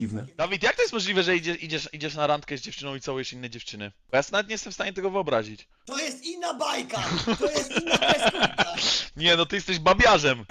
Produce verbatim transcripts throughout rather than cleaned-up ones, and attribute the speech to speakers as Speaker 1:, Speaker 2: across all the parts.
Speaker 1: Dziwne.
Speaker 2: Dawid, jak to jest możliwe, że idzie, idziesz, idziesz na randkę z dziewczyną i całujesz inne dziewczyny? Bo ja nawet nie jestem w stanie tego wyobrazić.
Speaker 3: To jest inna bajka, to jest inna kreskówka.
Speaker 2: Nie, no ty jesteś babiarzem.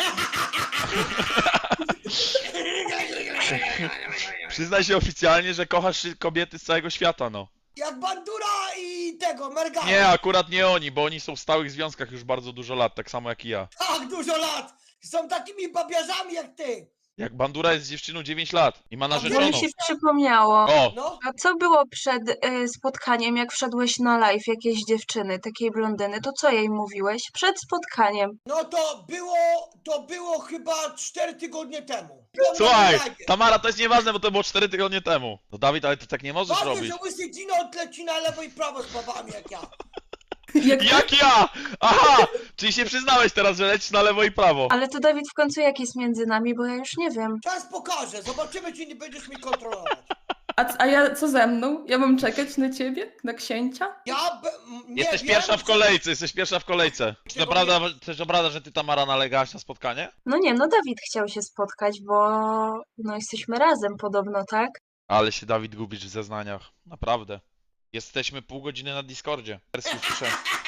Speaker 2: Przyznaj się oficjalnie, że kochasz kobiety z całego świata, no.
Speaker 3: Jak Bandura i tego, Mergana.
Speaker 2: Nie, akurat nie oni, bo oni są w stałych związkach już bardzo dużo lat, tak samo jak i ja.
Speaker 3: Tak dużo lat. Są takimi babiarzami jak ty.
Speaker 2: Jak Bandura jest z dziewczyną dziewięć lat i ma
Speaker 4: To
Speaker 2: narzeczoną.
Speaker 4: mi się przypomniało.
Speaker 2: O!
Speaker 3: No,
Speaker 4: A co było przed y, spotkaniem, jak wszedłeś na live jakiejś dziewczyny, takiej blondyny, to co jej mówiłeś? Przed spotkaniem.
Speaker 3: no to było, to było chyba cztery tygodnie temu. Byłem na
Speaker 2: Słuchaj,
Speaker 3: live.
Speaker 2: Tamara, to jest nieważne, bo to było cztery tygodnie temu. No Dawid, ale ty tak nie możesz
Speaker 3: Ważne,
Speaker 2: robić.
Speaker 3: że łysy Gino odleci na lewo i prawo z babami jak ja.
Speaker 5: Jak
Speaker 2: Jak ja! Aha! Czyli się przyznałeś teraz, że lecisz na lewo i prawo.
Speaker 4: Ale to Dawid w końcu jak jest między nami, bo ja już nie wiem.
Speaker 3: Czas pokaże, zobaczymy czy nie będziesz mi kontrolować.
Speaker 5: A, a ja co ze mną? Ja mam czekać na ciebie? Na księcia?
Speaker 3: Ja be, m, nie
Speaker 2: Jesteś
Speaker 3: wiem,
Speaker 2: pierwsza w
Speaker 3: czy-
Speaker 2: kolejce, jesteś pierwsza w kolejce. Czy to
Speaker 3: Czego
Speaker 2: prawda, czy to prawda, że ty, Tamara, nalegałaś na spotkanie?
Speaker 4: No nie, no Dawid chciał się spotkać, bo no jesteśmy razem podobno, tak?
Speaker 2: Ale się, Dawid, gubisz w zeznaniach. Naprawdę. Jesteśmy pół godziny na Discordzie. Wersji piszę.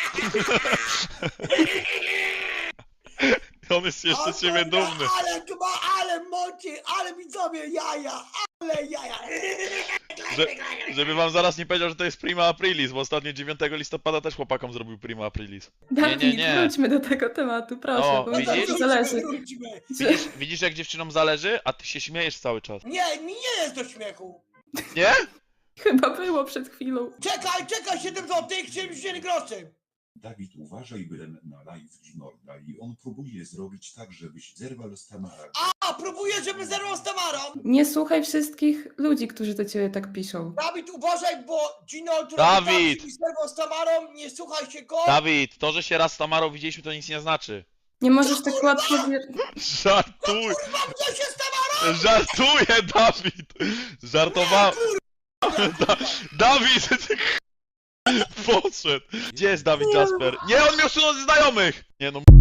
Speaker 2: On jest jeszcze
Speaker 3: O
Speaker 2: z ciebie
Speaker 3: kurde,
Speaker 2: dumny.
Speaker 3: Ale chyba, ale moci, ale widzowie jaja, ale jaja.
Speaker 2: Że, żeby wam zaraz nie powiedział, że to jest prima aprilis, bo ostatnio dziewiątego listopada też chłopakom zrobił prima aprilis.
Speaker 5: Dawid,
Speaker 2: nie, nie.
Speaker 5: wróćmy do tego tematu, proszę,
Speaker 2: O,
Speaker 5: bo
Speaker 3: No
Speaker 5: mi
Speaker 3: to
Speaker 2: widzisz?
Speaker 5: bardzo
Speaker 3: wróćmy,
Speaker 5: zależy.
Speaker 3: wróćmy.
Speaker 2: Widzisz, widzisz jak dziewczynom zależy, a ty się śmiejesz cały czas.
Speaker 3: Nie, mi nie jest do śmiechu.
Speaker 2: Nie?
Speaker 5: Chyba było przed chwilą.
Speaker 3: Czekaj, czekaj, siedem złotych, siedemdziesiąt groszy.
Speaker 6: Dawid, uważaj, byłem na live Ginorda i on próbuje zrobić tak, żebyś zerwał z Tamarą.
Speaker 3: A, próbuję, żeby zerwał z Tamarą.
Speaker 5: Nie słuchaj wszystkich ludzi, którzy do ciebie tak piszą.
Speaker 3: Dawid, uważaj, bo Gino, który
Speaker 2: Dawid!
Speaker 3: tak, zerwał z Tamarą, nie słuchaj się go.
Speaker 2: Dawid, to, że się raz z Tamarą widzieliśmy, to nic nie znaczy.
Speaker 5: Nie możesz tak łatwo wier...
Speaker 2: Żartuj!
Speaker 3: Mam co się z Tamarą?
Speaker 2: Żartuję, Dawid! Żartowałem. Da Dawid! Podszedł! Gdzie jest Dawid Jasper? Nie, on mnie usunął ze znajomych! Nie no,